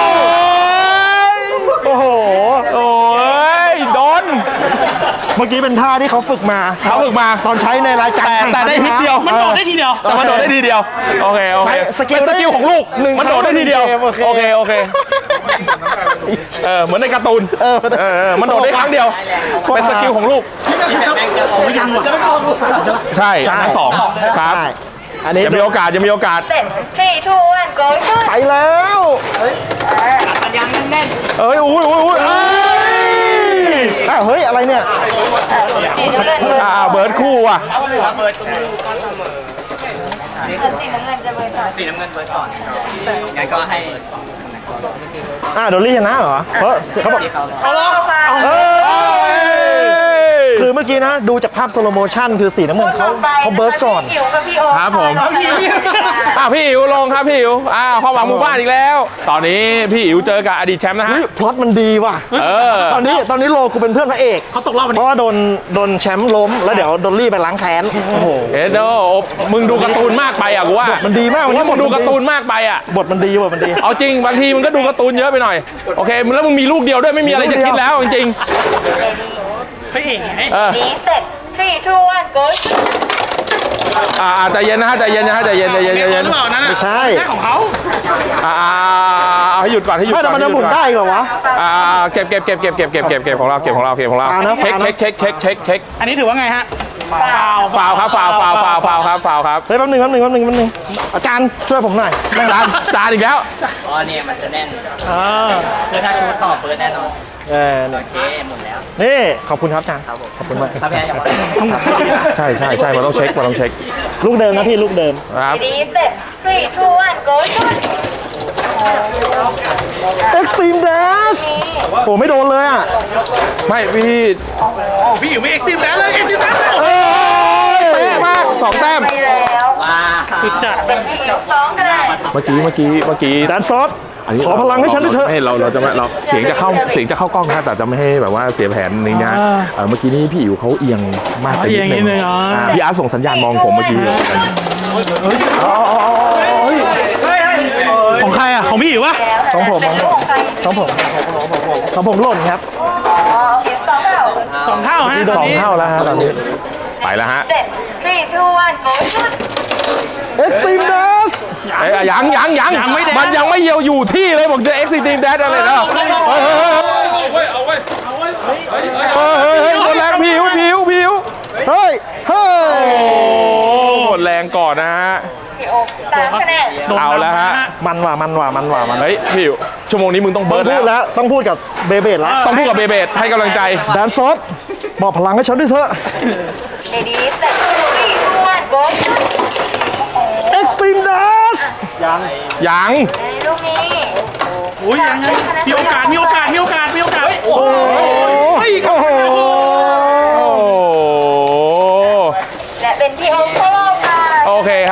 [SPEAKER 1] โอ้โห
[SPEAKER 2] โอ้ยโดน
[SPEAKER 1] เมื่อกี้เป็นท่าที่เขาฝึกมา
[SPEAKER 2] เขาฝึกมา
[SPEAKER 1] ตอนใช้ในรายการ
[SPEAKER 2] แต่
[SPEAKER 1] แข่ง
[SPEAKER 2] แต่ได้ฮิตเดียว
[SPEAKER 3] มันโดดได้ทีเดียว
[SPEAKER 2] แต่มันโดดได้ทีเดียวโอเคโอเค
[SPEAKER 1] สกิล
[SPEAKER 2] เป็นสกิลของลูก
[SPEAKER 1] หนึ่ง
[SPEAKER 2] มันโดดได้ทีเดียว
[SPEAKER 1] ครั้งหนึ่งเกม
[SPEAKER 2] โอ
[SPEAKER 1] โอ
[SPEAKER 2] เค
[SPEAKER 1] เค
[SPEAKER 2] โอเคเออเหมือนในการ์ตูน
[SPEAKER 1] เออ
[SPEAKER 2] เออมันโดดได้ครั้งเดียวเป็นสกิลของลูก
[SPEAKER 3] ยังว่ะ
[SPEAKER 2] ใช่อันนั้นสองครับ
[SPEAKER 1] ใช่อันนี้
[SPEAKER 2] ยังมีโอกาสยังมีโอกาส
[SPEAKER 4] เสร็จ three two one go shoot
[SPEAKER 1] ไปแล้ว
[SPEAKER 2] เอ้ยอุ้ยอุ้ยอุ้ยเอ้ย
[SPEAKER 1] อ้าวเฮ้ยอะไรเนี่ย
[SPEAKER 4] สีน้ำเงินเบอร์
[SPEAKER 2] อ่าเบิร์ดคู่ว่ะ
[SPEAKER 4] สีน้ำเงินจะเบอร์สองสีน้ำเงิน
[SPEAKER 5] งั้นก็ให้
[SPEAKER 1] อ่าดอลลี่ชนะเหรอเพราะเขาบอก
[SPEAKER 4] เอาละเอา
[SPEAKER 1] เอ
[SPEAKER 2] เอ้
[SPEAKER 1] อย คือเมื่อกี้นะดูจากภาพสโลโมชั่นคือสีน้ำเงินเขาเขาเบิร์สก่อน
[SPEAKER 4] พี่อิ๋วกับพี่โอ๊
[SPEAKER 2] ครับผม
[SPEAKER 4] พี่อิ๋ว
[SPEAKER 2] อ่าพี่อิ๋วลงครับพี่อิ๋วอ่าความหวังหมู่บ้านอีกแล้ว ตอนนี้พี่อิ๋วเจอกับอดีตแชมป์นะฮะ
[SPEAKER 1] เฮ้ยพล็อตมันดีว่ะ
[SPEAKER 2] เออ
[SPEAKER 1] ตอนนี้ตอนนี้โลกูเป็นเพื่อนพระเอก
[SPEAKER 3] เขาตกรอบวัน
[SPEAKER 1] เพ
[SPEAKER 3] นี้
[SPEAKER 1] ราะว่าโดนโดนแชมป์ล้มแล้วเดี๋ยวดอลลี่ไปล้างแค้นโอ้โห
[SPEAKER 2] เอ็ดโดมึงดูการ์ตูนมากไปอ่ะกูว่า
[SPEAKER 1] มันดีมาก
[SPEAKER 2] ว่ามึงดู
[SPEAKER 1] บทมันดี
[SPEAKER 2] การ์ตูนมากไปอ่ะ บ
[SPEAKER 1] ทมันดีบทมันดี
[SPEAKER 2] เอาจริงบางทีมึงก็ดูการ์ตูนเยอะไปหน่อยโอเคแล้วมึงมีลูกเดียวด้วยไม่มีอะไรจะคิดแล้วจริง
[SPEAKER 3] พระเอกไง
[SPEAKER 2] ๆเออ
[SPEAKER 4] ดีเสร็จ three two one go shoot
[SPEAKER 2] อ่าอ่าใจเย็นนะฮะใจเย็นนะฮะใจเย็นใจเย็นใจ
[SPEAKER 3] เย็
[SPEAKER 2] เย็
[SPEAKER 3] น
[SPEAKER 2] น
[SPEAKER 3] หรือเปล่านั่นน่ะ
[SPEAKER 1] ไม่ใช่
[SPEAKER 3] แค่ของเขา
[SPEAKER 2] อ่าอ่าเอาให้หยุดก่อนให้หยุด
[SPEAKER 1] ไม่
[SPEAKER 2] ก่
[SPEAKER 1] แต่
[SPEAKER 2] อน
[SPEAKER 1] มันจะ
[SPEAKER 2] ให้
[SPEAKER 1] หมุน
[SPEAKER 2] ก่อ
[SPEAKER 1] ได้เหรอวะ
[SPEAKER 2] อ่าเก็บเก็บเก็บเก็บเก็บเก็บเก็บเก็บของเราเก็บของเราเก็บของเรา
[SPEAKER 1] ฟาวนะ
[SPEAKER 2] เช็ค
[SPEAKER 1] ฟาวนะ
[SPEAKER 2] เช็คเช็คเช็คเช็คเช็ค
[SPEAKER 3] อันนี้ถือว่าไงฮะฟาว
[SPEAKER 2] ฟาวครับฟาวฟาวฟาวฟาวครับฟาวครับ
[SPEAKER 1] เฮ้ยแป๊บนึงแป๊บนึงแป๊บนึงแป๊บนึงอาจารย์ช่วยผมหน่อย
[SPEAKER 2] จานจานอีกแล้ว
[SPEAKER 5] อ๋อเนี่ยมันจะแน่น
[SPEAKER 3] เออ
[SPEAKER 5] คือถ้าชูต่อเปิดแน่นอน
[SPEAKER 1] เออเนี่ย
[SPEAKER 5] โอเคหมดแล้ว
[SPEAKER 1] นี่ขอบคุณครับอาจารย์ขอบคุณมาก
[SPEAKER 5] ถ้าแพ้อย่าบอก
[SPEAKER 2] ใช่ใช่ใช่มันต้องเช็คมันต้องเช็ค
[SPEAKER 1] ลูกเดิมนะพี่ลูกเดิม
[SPEAKER 2] ครับ
[SPEAKER 4] ดีเสร็จ three two one go shoot
[SPEAKER 1] Extreme Dash โอ้ไม่โดนเลยอ่ะ
[SPEAKER 2] ไม่พี่
[SPEAKER 3] พี่อยู่ไม่เอ็กซิมแล้วเลยเอ็กซิมแล้ว
[SPEAKER 1] เอ้ย
[SPEAKER 2] เป๊ะมากสองแต้ม
[SPEAKER 4] ไปแล้ว
[SPEAKER 5] ว้า
[SPEAKER 3] สุดจัด
[SPEAKER 4] เป็นพี่อิ๋วสองคะแนน
[SPEAKER 2] เมื่อกี้เมื่อกี้เมื่อกี้
[SPEAKER 1] แดนซอส
[SPEAKER 2] นนี้
[SPEAKER 1] ขอพลังให้ฉันด้วยเถอะ
[SPEAKER 2] ไม่เราเราจะไม่เราเสียงจะเข้าเสียงจะเข้ากล้องนะแต่จะไม่ให้แบบว่าเสียแผนนี้นะเออเมื่อกี้นี้พี่อิ๋วเขาเอียงมากไปนิดนึงอ่าพี่อาร์ตส่งสัญญาณมองผมเมื่อกี้
[SPEAKER 3] ของใครอ่ะของพี่อยู่วะ
[SPEAKER 1] ของผมของผมของผมหล่นครับ
[SPEAKER 4] อ๋อโอเคสองเท่า
[SPEAKER 3] สองเท่าฮะ
[SPEAKER 2] สองเท่าแล้วฮะตอนนี้ไปแล้วฮะ
[SPEAKER 4] เสร็จ three two one go shoot
[SPEAKER 1] Extreme Dash
[SPEAKER 2] เอ้ยยังยังยังมันยังไม่เยียวอยู่ที่เลยบอกจะเอ็กซิตีมแดดอะไรนะเฮ้ยเฮ้ยเฮ้ยเฮ้ยหมดแรงผิวผิวผิว
[SPEAKER 1] เฮ้ย เฮ้ย
[SPEAKER 2] โอ้หมดแรงก่อนนะฮะ
[SPEAKER 4] พี่โอ๊คสามคะแนน
[SPEAKER 2] เอาแล้วฮะ
[SPEAKER 1] มันว่ะมันว่ะมันว่ะมัน
[SPEAKER 2] เฮ้ยผิวชั่วโมงนี้มึงต้อง
[SPEAKER 1] ต้
[SPEAKER 2] เบิ
[SPEAKER 1] อง
[SPEAKER 2] ร์ด
[SPEAKER 1] พู
[SPEAKER 2] แล้ว
[SPEAKER 1] ดแล้วต้องพูดกับเบเบดแล้ว
[SPEAKER 2] ต้องพูดกับเบเบดให้กำลังใจ
[SPEAKER 1] แดนซอสบอกพลังให้ฉันด้วยเถอะ
[SPEAKER 4] ดีเสร็จ three two one go shoot
[SPEAKER 1] Extreme Dash
[SPEAKER 2] ยัง
[SPEAKER 4] ในลูกนี้
[SPEAKER 3] อุ้ยยังยังมีโอกาสมีโอกาสมีโอกาสมีโอกาสโอ้โห
[SPEAKER 1] โอ้โห
[SPEAKER 2] โอ้
[SPEAKER 4] และเป็นพี่โอ๊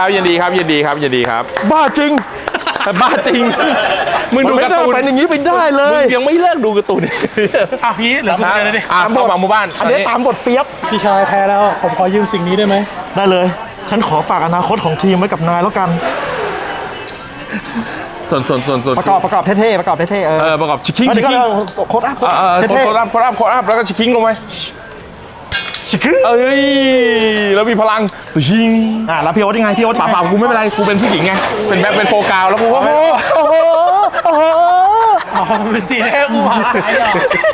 [SPEAKER 2] ครับยินดีครับยินดีครับยินดีครับ บ้าจริงบ้าจริงมึงดูการ์ตูน
[SPEAKER 1] เป็นอย่างนี้ไปได้เล
[SPEAKER 2] มึ
[SPEAKER 1] ย
[SPEAKER 2] งยังไม่เลิกดูการ์ตูน
[SPEAKER 3] อ่ะพี่เหลือคุณเจอเลยดิ
[SPEAKER 2] อ่ะเข้ามาหมู่บ้าน
[SPEAKER 1] อันนี้ตามบทเปียบ
[SPEAKER 3] พี่ชายแพ้แล้วผมขอยืมสิ่งนี้ได้ไหม
[SPEAKER 1] ได้เลย ฉันขอฝากอนาคตของทีมไว้กับนายแล้วกัน
[SPEAKER 2] ส่วนส่วนส่วนส่วน
[SPEAKER 1] ประกอบประกอบเท่ๆประกอบเท่ๆเออ
[SPEAKER 2] เออประกอบชิคกิ้ง
[SPEAKER 1] อัน
[SPEAKER 2] ชิ
[SPEAKER 1] นี้
[SPEAKER 2] ค
[SPEAKER 1] ก็
[SPEAKER 2] กิ้ง
[SPEAKER 1] โคตรอัพ
[SPEAKER 2] เออเออ
[SPEAKER 1] เท่
[SPEAKER 2] โคตรอัพโคตรอัพโคตรอัพแล้วก็ชิคกิ้งลงไป
[SPEAKER 1] ๆชิคกี้
[SPEAKER 2] เอ้ยแล้วมีพลังยิง
[SPEAKER 1] อ่ะแล้วพี่โอ๊ตยังไงพี่โอ๊ต
[SPEAKER 2] เปล่าเปล่ากูไม่เป็นไรกูเป็นผู้หญิงไงเป็นแบบเป็นโฟกาวแล้วกูก็โอ้โหโอ้โหโอ้โห
[SPEAKER 3] อ๋อเป็นสีแดงกูหายเหรอ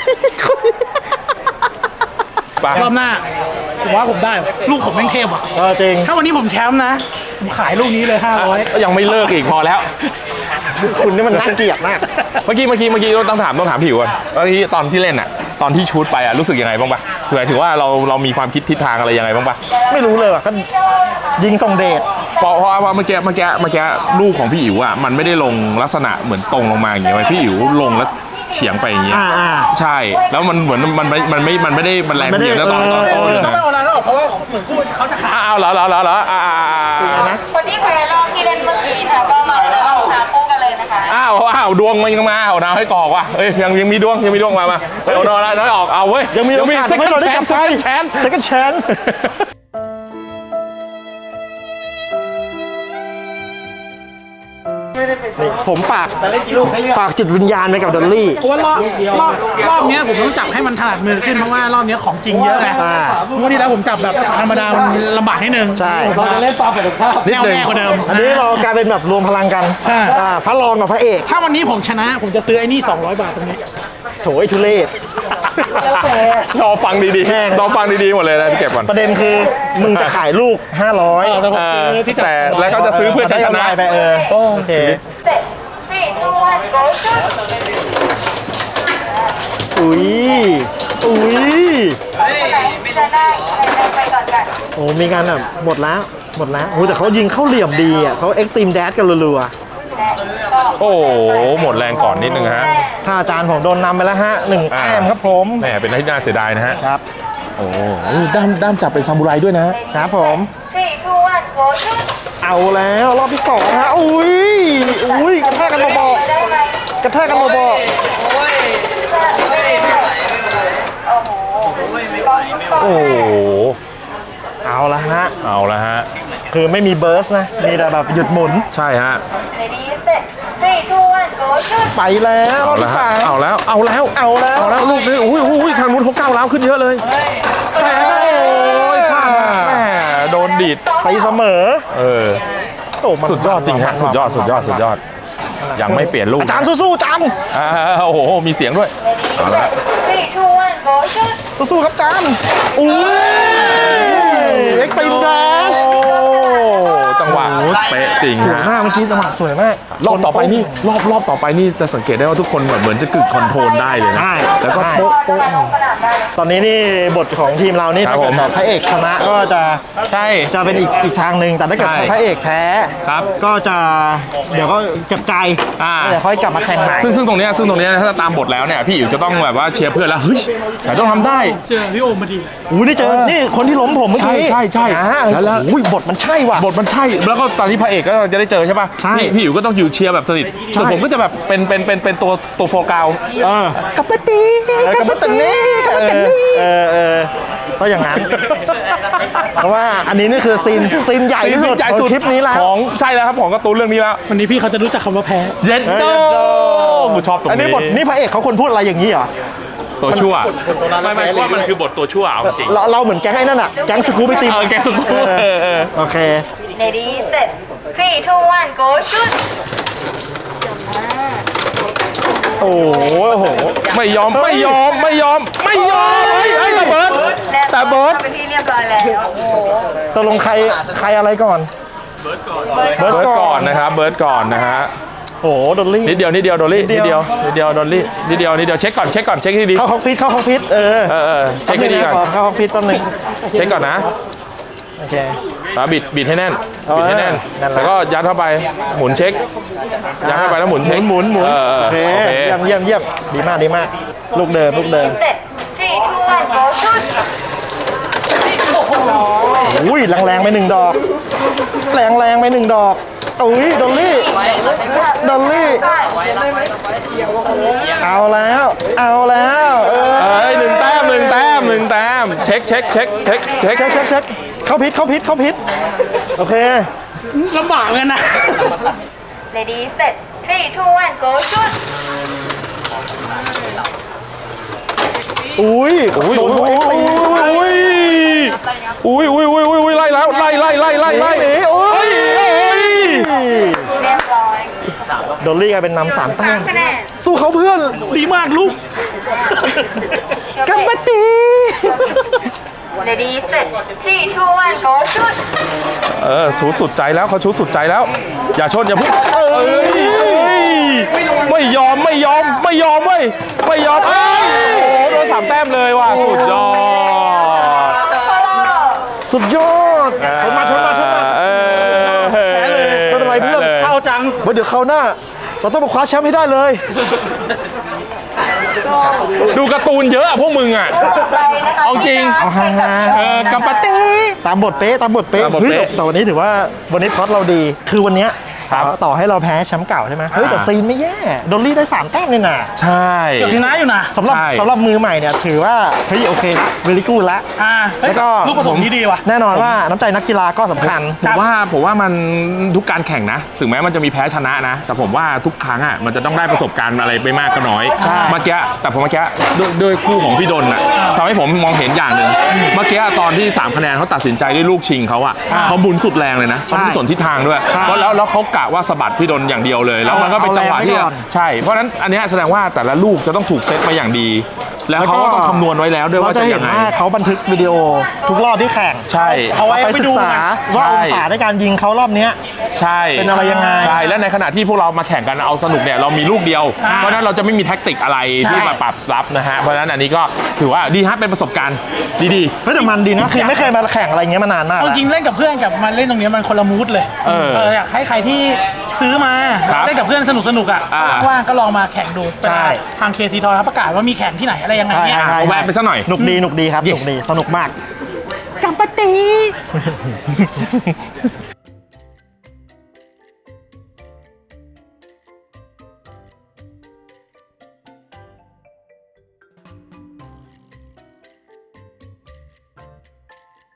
[SPEAKER 2] ไป
[SPEAKER 3] รอบหน้าผมว่าผมได้ว่ะลูกผมแม่งเทพว่ะ
[SPEAKER 1] เออจริง
[SPEAKER 3] ถ้าวันนี้ผมแชมป์นะผมขายลูกนี้เลยห้าร้อย
[SPEAKER 2] ยังไม่เลิกอีกพอแล้ว
[SPEAKER 1] คุณนี่มันน่าเกลียดมาก
[SPEAKER 2] เมื่อกี้เมื่อกี้เมื่อกี้ต้องถามต้องถามผิวก่อนเมื่อกี้ตอนที่เล่นอ่ะตอนที่ชูตไปอ่ะรู้สึกยังไงบ้างปะหมายถึงว่าเราเรามีความคิดทิศทางอะไรยังไงบ้างปะ
[SPEAKER 1] ไม่รู้เลยว่ะก็ยิงส่งเดช
[SPEAKER 2] เพราะเพราะว่าเมื่อกี้เมื่อกี้เมื่อกี้ลูกของพี่อิ๋วอ่ะมันไม่ได้ลงลักษณะเหมือนตรงลงมาอย่างเงี้ยพี่อิ๋วลงแล้วเฉียงไปอย่างเงี้ย
[SPEAKER 1] อ่าอ่า
[SPEAKER 2] ใช่แล้วมันเหมือนมันไม่มันไม่มันไม่ได้มันแรง
[SPEAKER 1] มันไม่
[SPEAKER 2] เพี
[SPEAKER 1] ได้
[SPEAKER 2] ยงแล้วตอนตอนต้น
[SPEAKER 1] เออ
[SPEAKER 2] นะ
[SPEAKER 3] ไม่เอาอะไรแล้วหรอกเพราะว่าเหมือนคู่เขาจะขาย
[SPEAKER 2] อ้าวเหรอเหรอเหรอเหรออ่าอ่าอ่า
[SPEAKER 1] นะ
[SPEAKER 4] คนที่แพ้รอบที่เล่นเมื่อกี้ค่ะก็มาแล้วก็หาคู่กันเลยนะคะ
[SPEAKER 2] อ้าวอ้าวดวงมันยังมาเอาดาวให้กอกว่ะเอ้ยยังยังมีดวงยังมีดวงมามาเอาดาวน้อยออกเอาเว้ย
[SPEAKER 1] ยังมีโอกาส
[SPEAKER 2] เซ็ก
[SPEAKER 1] ให้
[SPEAKER 2] ชั
[SPEAKER 1] เรา
[SPEAKER 2] น
[SPEAKER 1] ได้
[SPEAKER 2] แช
[SPEAKER 1] กลั
[SPEAKER 2] น
[SPEAKER 1] บไป
[SPEAKER 2] แชน
[SPEAKER 1] second chance นี่ผมฝากฝากจิตวิญญาณไปกับดอลลี่
[SPEAKER 3] เพราะว่ารอบรอบรอบเนี้ยผมต้องจับให้มันถนัดมือขึ้นเพราะว่ารอบเนี้ยของจริงเยอะไง
[SPEAKER 1] อ่า
[SPEAKER 3] เมื่อที่แล้วผมจับแบบธรรมดามันลำบากนิดนึง
[SPEAKER 1] ใช่
[SPEAKER 3] เราจะเล่นปลาเป็ดข้าว
[SPEAKER 2] นิด
[SPEAKER 3] แน่ว
[SPEAKER 2] นึง
[SPEAKER 3] แน่กว่าเดิม
[SPEAKER 1] อันนี้เรากลายเป็นแบบรวมพลังกัน
[SPEAKER 3] ใช่
[SPEAKER 1] อ่าพระรองกับพระเอก
[SPEAKER 3] ถ้าวันนี้ผมชนะผมจะซื้อไอ้นี่สองร้อยบาทตรงนี้
[SPEAKER 1] โถยทุเรศ
[SPEAKER 2] รอฟังดี
[SPEAKER 1] แม่ง
[SPEAKER 2] ๆรอฟังดีๆหมดเลยนะเก็บก่อน
[SPEAKER 1] ประเด็นคือมึงจะขายลูก ห้าร้อย
[SPEAKER 3] เออแต่ผม
[SPEAKER 2] เออ
[SPEAKER 3] ซื้อที่จับ
[SPEAKER 2] แต่แล้วก็จะซื้อเพื่อจะชนะ
[SPEAKER 1] ได้กำไรไปเออโอเค
[SPEAKER 4] เสร็จ three two one go shoot
[SPEAKER 1] อุ้ยอุ้ย
[SPEAKER 4] คนไหนจะได้ใครได้ไปก่อนกัน
[SPEAKER 1] โอ้มีการแบบหมดแล้วหมดแล้วโอ้แต่เขายิงเข้าเหลี่ยมดีอ่ะเขาเอ็กซ์ตรีมแดชกันรัว
[SPEAKER 2] โอ้โหหมดแรงก่อนนิดนึงฮะ
[SPEAKER 1] ๆถ้าอาจารย์ผมโดนนำไปแล้วฮะหนึ่ง
[SPEAKER 2] อ่า
[SPEAKER 1] แต้มครับผม
[SPEAKER 2] แหมเป็นที่น่าเสียดายนะฮะ
[SPEAKER 1] ครับ
[SPEAKER 2] โอ้โหด้ามด้ามจับเป็นซามูไรด้วยนะ
[SPEAKER 1] ครับผม
[SPEAKER 4] three two one go shoot
[SPEAKER 1] เอาแล้วรอบที่สองฮะอุ้ยอุ้ยกระแทกกันเบา
[SPEAKER 4] ได้ไหม
[SPEAKER 1] ๆกระแทกกันเบา
[SPEAKER 4] โอ้โห
[SPEAKER 2] โอ้โห
[SPEAKER 1] ๆเอาละฮะ
[SPEAKER 2] เอาละฮะ
[SPEAKER 1] คือไม่มีเบิร์สนะมีแต่แบบหยุดหมุน
[SPEAKER 2] ใช่ฮะ
[SPEAKER 4] ready set three two one go shoot
[SPEAKER 1] ไปแล้วร
[SPEAKER 2] เอา
[SPEAKER 1] อบ
[SPEAKER 2] ละ
[SPEAKER 1] ที่
[SPEAKER 2] ฮะ
[SPEAKER 1] สาม
[SPEAKER 2] เอาแล้วเอาแล้ว
[SPEAKER 1] เอาแล้ว
[SPEAKER 2] เอาแล้วลูกนี้อุ้ยอุ้ยทางนู้นเขาก้าวร้าวขึ้นเยอะเลยแต่โอ้ยพลาดนะแหมโดนดีด
[SPEAKER 1] ไปเสมอ
[SPEAKER 2] เออ
[SPEAKER 1] โอ้มัน
[SPEAKER 2] สุดยอดจริงฮะสุดยอดสุดยอดสุดยอดยังไม่เปลี่ยนลูก
[SPEAKER 1] อาจารย์สู้ๆอาจารย์
[SPEAKER 2] อ่าโอ้โหมีเสียงด้วย
[SPEAKER 4] ready set three two one go shoot
[SPEAKER 1] สู้ๆครับอาจารย์อุ้ยเอ็กซ์ตรีมแดช
[SPEAKER 2] โอ้จังหวะเป๊ะจริง
[SPEAKER 1] สวย
[SPEAKER 2] ฮะ
[SPEAKER 1] มากเมื่อกี้จังหวะสวยมาก
[SPEAKER 2] รอบต่อไปนี่รอบรอบต่อไปนี่จะสังเกตได้ว่าทุกคนเหมือนเหมือนจะกึกคอนโทรลได้เลยนะ
[SPEAKER 1] ได้
[SPEAKER 2] แล้วก็
[SPEAKER 1] ได้
[SPEAKER 2] โป๊ะโป๊ะ
[SPEAKER 4] ลงสนามได้เลย
[SPEAKER 1] ตอนนี้นี่บทของทีมเรานี่
[SPEAKER 2] ครับ
[SPEAKER 1] ถ้าเกิด
[SPEAKER 2] ผม
[SPEAKER 1] แบบพระเอกชนะก็จะ
[SPEAKER 2] ใช่
[SPEAKER 1] จะเป็นอีกอีกทางหนึ่งแต่ถ้าเกิด
[SPEAKER 2] ใช่
[SPEAKER 1] พระเอกแพ้
[SPEAKER 2] ครับ
[SPEAKER 1] ก็จะเดี๋ยวก็เจ็บใจ
[SPEAKER 2] อ่า
[SPEAKER 1] เดี๋ยวค่อยกลับมาแข่งใหม่
[SPEAKER 2] ซึ่งซึ่งตรงเนี้ยซึ่งตรงเนี้ยถ้าตามบทแล้วเนี่ยพี่อิ๋วจะต้องแบบว่าเชียร์เพื่อนแล้วเฮ้ยแต่ต้องทำได้
[SPEAKER 3] เจอพี่โอมมาดี
[SPEAKER 1] อู้นี่เจอ นี่คนที่ล้มผมเมื่อกี้
[SPEAKER 2] ใช่ใช่ใช่
[SPEAKER 1] อ่า
[SPEAKER 2] แล้วแล้ว
[SPEAKER 1] อุ้ยบทมันใช่ว่ะ
[SPEAKER 2] บทมันใช่แล้วก็ตอนนี้พระเอกก็จะได้เจอใช่ป่ะ
[SPEAKER 1] ใช่
[SPEAKER 2] พี่พี่อิ๋วก็ต้องอยู่เชียร์แบบสนิทส่วนผมก็จะแบบเป็นเป็นเป็นเป็นตัวตัวโฟกัส
[SPEAKER 1] เออ
[SPEAKER 2] กับปตี
[SPEAKER 1] เออกับปัตตานีเออเออก็อย่างนั้น เพราะว่าอันนี้นี่คือซีนซีนใหญ่ที่สุด
[SPEAKER 2] ใหญ่
[SPEAKER 1] ของ
[SPEAKER 2] สุด
[SPEAKER 1] คลิปนี้แล้ว
[SPEAKER 2] ของใช่แล้วครับของการ์ตูนเรื่องนี้แล้ว
[SPEAKER 3] วันนี้พี่เขาจะรู้จักคำว่าแพ้
[SPEAKER 2] เย็นโตกูชอบตรง
[SPEAKER 1] อันนี้
[SPEAKER 2] นี้
[SPEAKER 1] บทนี่พระเอกเขาควรพูดอะไรอย่างนี้เหรอ
[SPEAKER 2] ตัวชั่วไม่ไม่ว่ามันคือบทตัวชั่วเอาจริง
[SPEAKER 1] เราเราเหมือนแก๊งไอ้นั่นอะแก๊งสกู๊ปไปตี
[SPEAKER 2] เออแกสุด
[SPEAKER 1] เออ
[SPEAKER 2] เออเออ
[SPEAKER 1] โอเค
[SPEAKER 4] ready set three two one go shoot
[SPEAKER 1] โอ้โหโอ้โห
[SPEAKER 2] ไม่ยอมไม่ยอมไม่ยอมไม่ยอมเฮ้ยเฮ้ยระเบิด
[SPEAKER 4] และ
[SPEAKER 2] แต่เบิร์ด
[SPEAKER 4] เป็นที่เรียบร้อยแล้วโอ้โห
[SPEAKER 1] ตกลงใครใครอะไรก่อน
[SPEAKER 4] เบิร์ด
[SPEAKER 1] เบิร์ด
[SPEAKER 2] เบิร์ดก่อนนะครับเบิร์ดก่อนนะฮะ
[SPEAKER 1] โอ้โหดอลลี่
[SPEAKER 2] นิดเดียวนิดเดียวดอลลี่
[SPEAKER 1] นิ
[SPEAKER 2] นิ
[SPEAKER 1] ด
[SPEAKER 2] ด
[SPEAKER 1] เดี
[SPEAKER 2] เดี
[SPEAKER 1] ย
[SPEAKER 2] ยว วนิดเดียวดอลลี่นิดเดียวนิดเดียวเช็คก่อนเช็คก่อนเช็คให้ดี
[SPEAKER 1] เข้าฮอกฟิตเข้าฮอกฟิตเออ
[SPEAKER 2] เออเออเช็คให้ดีก่อน
[SPEAKER 1] เข้าฮอกฟิตแป๊บนึง
[SPEAKER 2] เช็คก่อนนะ
[SPEAKER 1] โอเค
[SPEAKER 2] แล้วบิดบิดให้แน่น
[SPEAKER 1] เอา
[SPEAKER 2] บิดให้แน่น
[SPEAKER 1] นั่นแหละ
[SPEAKER 2] แล้วก็ยัดเข้าไปหมุนเช็คยัดเข้าไปแล้วหมุนเช็ค
[SPEAKER 1] หมุนหมุน
[SPEAKER 2] เออเออ
[SPEAKER 1] โอเค
[SPEAKER 2] โอเค
[SPEAKER 1] เยี่ยมเยี่ยมเยี่ยมดีมากดีมาก ลูกเดิมลูกเดิม
[SPEAKER 4] set three two one go shoot
[SPEAKER 1] อุ้ยแรงๆไปหนึ่งดอกแรงแรงไปหนึ่งดอกอุ้ยดอลลี่ดอลลี่เอาแล้วเอาแล้วเออ
[SPEAKER 2] เอ้ยหนึ่งแต้มหนึ่งแต้มหนึ่งแต้มเช็คเช็คเช็คเช็คเช็ค
[SPEAKER 1] เช็คเช็คเช็คเข้าพิษเข้าพิษเข้าพิษโอเค
[SPEAKER 3] ลำบากเลยนะ
[SPEAKER 4] Ready set three two one go shoot
[SPEAKER 1] อุ้ย
[SPEAKER 2] อุ้ย
[SPEAKER 1] โด
[SPEAKER 2] อุ้
[SPEAKER 1] น
[SPEAKER 2] ย
[SPEAKER 1] โดน
[SPEAKER 2] อุ้ยอุ้ยอุ้ยอุ้ยอุ้ยอุ้ยไล่แล้วไล่ไล่ไล่ไล่ไล่
[SPEAKER 1] โอ้ย
[SPEAKER 2] เฮ้ย
[SPEAKER 4] เรียบร้อย
[SPEAKER 1] ดอลลี่กลายเป็นนำสามแต้ม
[SPEAKER 4] คะแนน
[SPEAKER 1] สู้เขาเพื่อน
[SPEAKER 3] ดีมากลูก
[SPEAKER 4] กัมปตี Ready set three two one go shoot
[SPEAKER 2] เออชูสุดใจแล้วเขาชูสุดใจแล้ว อย่าชนอย่าพุ่งเอ้ยเอ้ยไม่ยอมไม่ยอมไม่ยอมเว้ยไม่ยอมเอ้ยโอ้โหโดนสามแต้มเลยว่ะสุดยอด
[SPEAKER 1] สุดยอดชนมาชนมาชนมา
[SPEAKER 2] เออ
[SPEAKER 1] แพ้เลยไม่เป็นไรเพื่อน
[SPEAKER 2] แพ้ลย
[SPEAKER 3] เข้าจัง
[SPEAKER 1] เดี๋ยวคราวหน้า เราต้องมาคว้าแชมป์ให้ได้เลย
[SPEAKER 2] ดูการ์ตูนเยอะอะพวกมึงอะ เอาจริง
[SPEAKER 1] เอาฮ่าฮ่า
[SPEAKER 2] เออกัมปะตี
[SPEAKER 1] ตามบทเป๊ะตามบทเป๊ะ
[SPEAKER 2] ตามบท
[SPEAKER 1] เฮ้ย
[SPEAKER 2] เป๊ะ
[SPEAKER 1] แต่วันนี้ถือว่าวันนี้พล็อตเราดี คือวันเนี้ย
[SPEAKER 2] ครับ
[SPEAKER 1] ต่อต่อให้เราแพ้แชมป์เก่าใช่ไหมเฮ้ยแต่
[SPEAKER 2] อ่า
[SPEAKER 1] ซีนไม่แย่ดอลลี่ได้สามแต้มเลยนะ
[SPEAKER 2] ใช่
[SPEAKER 3] เกือบชนะอยู่นะ
[SPEAKER 1] สำหรับ
[SPEAKER 2] ใช่
[SPEAKER 1] สำหรับมือใหม่เนี่ยถือว่าเฮ้ยโอเคเวลิกูละ
[SPEAKER 3] อ่าเฮ้ย
[SPEAKER 1] แล้วก็
[SPEAKER 3] ลูกผสมที่ดีว่ะ
[SPEAKER 1] แน่นอนว่าน้ำใจนักกีฬาก็สำคัญ
[SPEAKER 2] ผมว่าผมว่ามันทุกการแข่งนะ ถึงแม้มันจะมีแพ้ชนะนะ แต่ผมว่าทุกครั้งอ่ะมันจะต้องได้ประสบการณ์อะไรไปมากก็น้อยเมื่อกี้แต่ผมเมื่อกี้ด้วยด้วยคู่ของพี่ดนอ่ะทำให้ผมมองเห็นอย่างหนึ่งเมื่อกี้ตอนที่สามคะแนนเขาตัดสินใจด้วยลูกชิงเขาอ่ะเขาบุญสุดแรงเลยนะเขาไม่สนทิศทางด้วย
[SPEAKER 1] ใช่
[SPEAKER 2] เพราะแล้วแล้วเขากะว่าสะบัดพี่ดนอย่างเดียวเลย แล้วมันก็เป็นจังหวะที่
[SPEAKER 1] เอาแรงไว้ก่อน
[SPEAKER 2] ใช่เพราะฉะนั้นอันเนี้ยแสดงว่าแต่ละลูกจะต้องถูกเซตมาอย่างดี แล้วเขาก็ต้องคำนวณไว้แล้วด้วย
[SPEAKER 1] เรา
[SPEAKER 2] ว่า
[SPEAKER 1] จะ
[SPEAKER 2] จะ
[SPEAKER 1] เห็
[SPEAKER 2] ยั
[SPEAKER 1] น
[SPEAKER 2] งไง
[SPEAKER 1] ว่าเขาบันทึกวิดีโอทุกรอบที่แข่ง
[SPEAKER 2] ใช่
[SPEAKER 3] เอาไว้
[SPEAKER 1] ไป
[SPEAKER 3] ไป
[SPEAKER 1] ศึ
[SPEAKER 3] ดู
[SPEAKER 1] กษา
[SPEAKER 3] ไง
[SPEAKER 1] ว่า
[SPEAKER 2] ใช่
[SPEAKER 1] องศาในการยิงเขารอบเนี้ย
[SPEAKER 2] ใช่
[SPEAKER 1] เป็นอะไรยังไง
[SPEAKER 2] ใช่และในขณะที่พวกเรามาแข่งกันเอาสนุกเนี่ยเรามีลูกเดียว
[SPEAKER 3] อ่า
[SPEAKER 2] เพราะฉะนั้นเราจะไม่มีแท็กติกอะไร
[SPEAKER 1] ใช่
[SPEAKER 2] ที่มาปรับรับนะฮะเพราะฉะนั้นอันนี้ก็ถือว่าดีฮะเป็นประสบการณ์ดี
[SPEAKER 1] เฮ้ยแต่มันดีนะคือไม่เคยมาแข่งอะไรเงี้ยมานานมาก
[SPEAKER 3] เอา
[SPEAKER 1] แล้ว
[SPEAKER 3] จริงเล่นกับเพื่อนกับมาเล่นตรงเนี้ยมันคนละมูดเลย
[SPEAKER 2] เออ
[SPEAKER 3] อยากให้ใครที่ซื้อมา
[SPEAKER 2] ครับ
[SPEAKER 3] เล่นกับเพื่อนสนุกสนุกๆอ่ะ
[SPEAKER 2] อ่า
[SPEAKER 3] ว่างๆก็ลองมาแข่งดู
[SPEAKER 1] ใช่
[SPEAKER 3] ทางเคซีทอยเขาประกาศว่ามีแข่งที่ไหนอะไรยังไง
[SPEAKER 1] ใช่
[SPEAKER 3] เนี่ย
[SPEAKER 1] ใช่
[SPEAKER 2] ๆแวะไปสักหน่อย
[SPEAKER 1] หนุกดีหนุกดีครับห
[SPEAKER 2] Yes
[SPEAKER 1] นุกดีสนุกมาก
[SPEAKER 3] กัมปตี